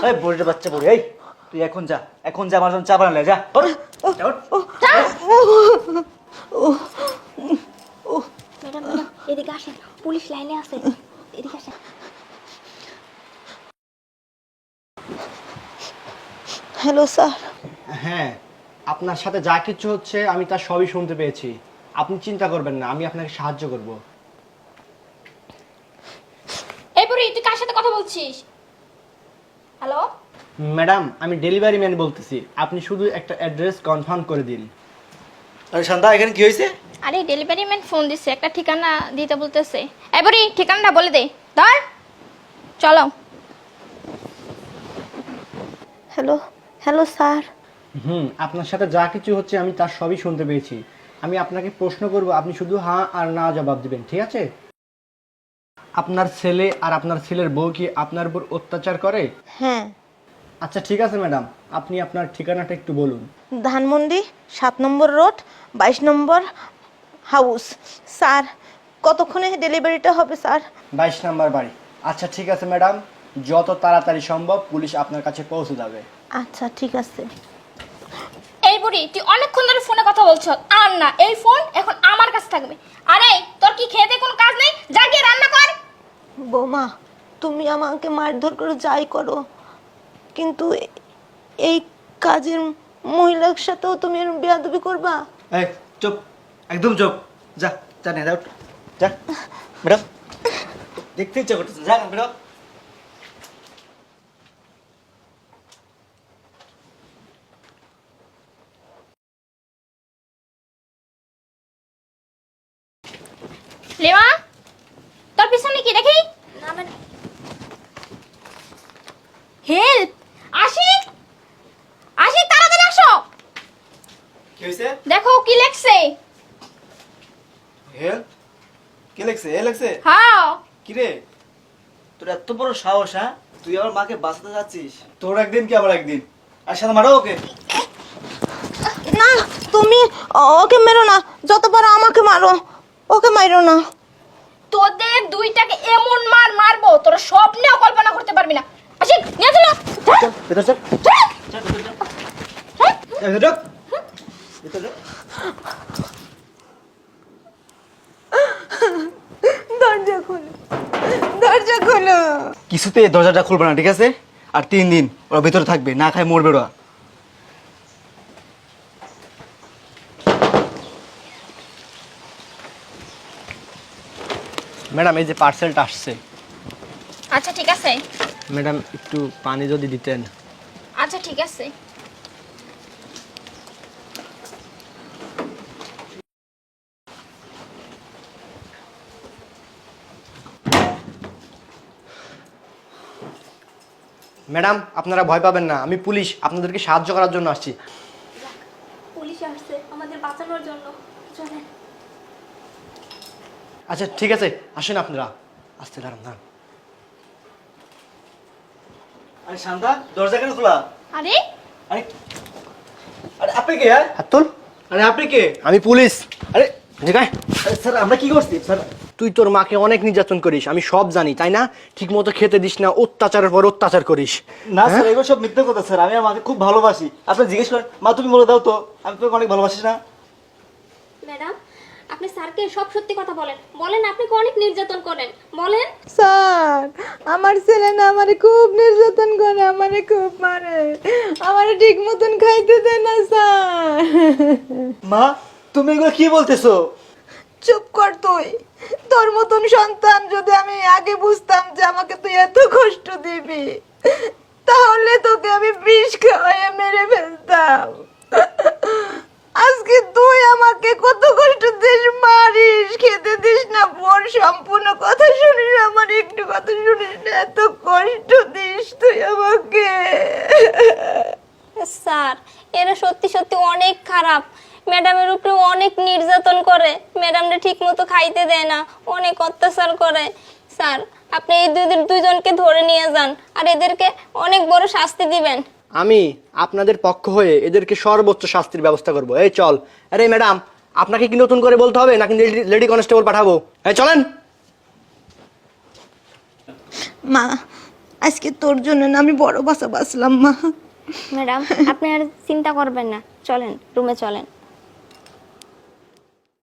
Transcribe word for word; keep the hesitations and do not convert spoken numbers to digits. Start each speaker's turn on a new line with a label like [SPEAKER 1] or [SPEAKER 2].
[SPEAKER 1] এই বুড়ির বাচ্চা বুড়ি, এই তুই এখন যা, এখন যা আমার জন্য চা বানালে যা।
[SPEAKER 2] ম্যাডাম ম্যাডাম এদিকে আসেন, পুলিশ লাইনে আছে, এদিকে আসেন।
[SPEAKER 3] Hello sir.
[SPEAKER 4] হ্যাঁ, আপনার সাথে যা কিছু হচ্ছে আমি তার সবই শুনতে পেয়েছি। আপনি চিন্তা করবেন না, আমি আপনাকে সাহায্য করব।
[SPEAKER 2] এই বুড়ি তুই কার সাথে কথা বলছিস? হ্যালো
[SPEAKER 4] ম্যাডাম, আমি ডেলিভারি ম্যান বলতেছি, আপনি শুধু একটা অ্যাড্রেস কনফার্ম করে দিন।
[SPEAKER 1] আরে শান্তা, এখানে কি হয়েছে?
[SPEAKER 2] আরে ডেলিভারি ম্যান ফোন দিছে, একটা ঠিকানা দিতে বলতেছে। এই বুড়ি ঠিকানাটা বলে দে, ধর চলো।
[SPEAKER 3] Hello hello sir.
[SPEAKER 4] হুম, আপনার সাথে যা কিছু হচ্ছে আমি তার সবই শুনতে পেয়েছি। আমি আপনাকে প্রশ্ন করব, আপনি শুধু হ্যাঁ আর না জবাব দিবেন, ঠিক আছে? আপনার ছেলে আর আপনার ছেলের বউ কি আপনার উপর অত্যাচার করে?
[SPEAKER 3] হ্যাঁ।
[SPEAKER 4] আচ্ছা ঠিক আছে ম্যাডাম, আপনি আপনার ঠিকানাটা একটু বলুন।
[SPEAKER 3] ধানমন্ডি সাত নম্বর রোড বাইশ নম্বর হাউস। স্যার কতক্ষণে ডেলিভারিটা হবে স্যার?
[SPEAKER 4] বাইশ নাম্বার বাড়ি। আচ্ছা ঠিক আছে ম্যাডাম, যত তাড়াতাড়ি সম্ভব পুলিশ আপনার কাছে পৌঁছে যাবে।
[SPEAKER 3] আচ্ছা ঠিক আছে।
[SPEAKER 2] এই বুড়ি তুই অনেকক্ষণ ধরে ফোনে কথা বলছ, আর না এই ফোন এখন আমার কাছে থাকবে। আরে তোর কি খেতে কোনো কাজ নেই? যা গিয়ে রান্না কর।
[SPEAKER 3] বৌমা তুমি আমাকে মারধর করে যাই করো, কিন্তু এই কাজের মহিলার সাথেও তুমি বেয়াদবি করবা?
[SPEAKER 1] এই চুপ, একদম চুপ। যা যা নে দাও, যা ম্যাডাম, দেখতে ইচ্ছা করতেছে, যা ম্যাডাম।
[SPEAKER 2] লেমা তোর পিছনে কি দেখি? না মানে হেল্প, আশিক আশিক তাড়াতাড়ি আসো।
[SPEAKER 1] কি হয়েছে?
[SPEAKER 2] দেখো কি লেখছে।
[SPEAKER 1] হেল্প? কে লেখছে? এ লেখছে?
[SPEAKER 2] হ্যাঁ।
[SPEAKER 1] কি রে, তোর এত বড় সাহস? হ্যাঁ, তুই আমার মাকে বাঁচাতে যাচ্ছিস? তোর একদিন কি আমার একদিন। আর সাথে মারো ওকে।
[SPEAKER 3] না তুমি ওকে মেরো না, যত পারো আমাকে মারো, ওকে মারো না।
[SPEAKER 2] তোদের দুইটাকে এমন মার মারবো তোরা স্বপ্নেও কল্পনা করতে পারবি না। আশিক নিয়ে চলো।
[SPEAKER 1] চল ভেতর চল, চল ভেতর চল, যা ভেতর ঢোক, ভেতর ঢোক।
[SPEAKER 3] দরজা খোলো, দরজা খোলো।
[SPEAKER 1] কিছুতে দরজাটা খুলবে না, ঠিক আছে? আর তিন দিন ওরা ভেতরে থাকবে, না খায় মরবে ওরা।
[SPEAKER 4] ম্যাডাম এই যে পার্সেলটা আসছে।
[SPEAKER 2] আচ্ছা ঠিক আছে।
[SPEAKER 4] ম্যাডাম একটু পানি যদি দিতেন।
[SPEAKER 2] আচ্ছা ঠিক আছে।
[SPEAKER 4] ম্যাডাম আপনারা ভয় পাবেন না, আমি পুলিশ, আপনাদেরকে সাহায্য করার জন্য আসছি।
[SPEAKER 2] পুলিশ আসছে আমাদের বাঁচানোর জন্য, চলেন।
[SPEAKER 4] আচ্ছা ঠিক আছে, আসেন আপনারা। আসতে দাঁড়ান দাঁড়ান।
[SPEAKER 1] আরে শান্তা, দরজা কেন খোলা?
[SPEAKER 2] আরে
[SPEAKER 1] আরে আরে আপনি কে? হ্যাঁ,
[SPEAKER 4] হাত তোল।
[SPEAKER 1] আরে আপনি কে?
[SPEAKER 4] আমি পুলিশ।
[SPEAKER 1] আরে
[SPEAKER 4] জিগায়।
[SPEAKER 1] আরে স্যার, আমরা কি করছি স্যার?
[SPEAKER 4] তুই তোর মাকে অনেক নির্যাতন করিস, আমি সব জানি, তাই না? ঠিক মতো খেতে দিস না, অত্যাচারের পর অত্যাচার করিস।
[SPEAKER 1] না স্যার, এগুলো সব মিথ্যে কথা স্যার। আমি আমার মাকে খুব ভালোবাসি। আপনি জিজ্ঞেস করেন, মা তুমি বলে দাও তো, আমি তোমাকে অনেক ভালোবাসি না?
[SPEAKER 5] ম্যাডাম আপনি স্যারকে সব সত্যি কথা বলেন, বলেন আপনাকে অনেক নির্যাতন করেন, বলেন।
[SPEAKER 3] স্যার আমার ছেলে না আমারে খুব নির্যাতন করে, আমারে খুব মারে, আমারে ঠিক মতন খাইতে দেয় না স্যার।
[SPEAKER 1] মা তুমি এগুলো কি বলতেছো?
[SPEAKER 3] চুপ কর তুই। তোর মতন সন্তান যদি আমি আগে বুঝতাম যে আমাকে তুই এত কষ্ট দিবি, তাহলে তোকে আমি বিষ খাওয়াইয়ে মেরে ফেলতাম। আজকে তুই আমাকে কত কষ্ট দিস, মারিস, খেতে দিস না, পর সম্পূর্ণ কথা শুনিস, আমার একটু কথা শুনিস না, এত কষ্ট দিস তুই আমাকে।
[SPEAKER 5] স্যার এরা সত্যি সত্যি অনেক খারাপ, ম্যাডামের উপরে অনেক নির্যাতন করে, ম্যাডামরা ঠিক মতো খাইতে দেয় না, অনেক অত্যাচার করে। স্যার আপনি এই দুই দুইজনকে ধরে নিয়ে যান আর এদেরকে অনেক বড় শাস্তি দিবেন।
[SPEAKER 4] আমি আপনাদের পক্ষ হয়ে এদেরকে সর্বোচ্চ শাস্তির ব্যবস্থা করব। এই চল। আরে ম্যাডাম আপনাকে কি নতুন করে বলতে হবে নাকি লেডি কনস্টেবল পাঠাবো? এই চলেন।
[SPEAKER 3] মা আজকে তোর জন্য না আমি বড় বাসা বাসলাম মা।
[SPEAKER 5] ম্যাডাম আপনি আর চিন্তা করবেন না, চলেন রুমে চলেন।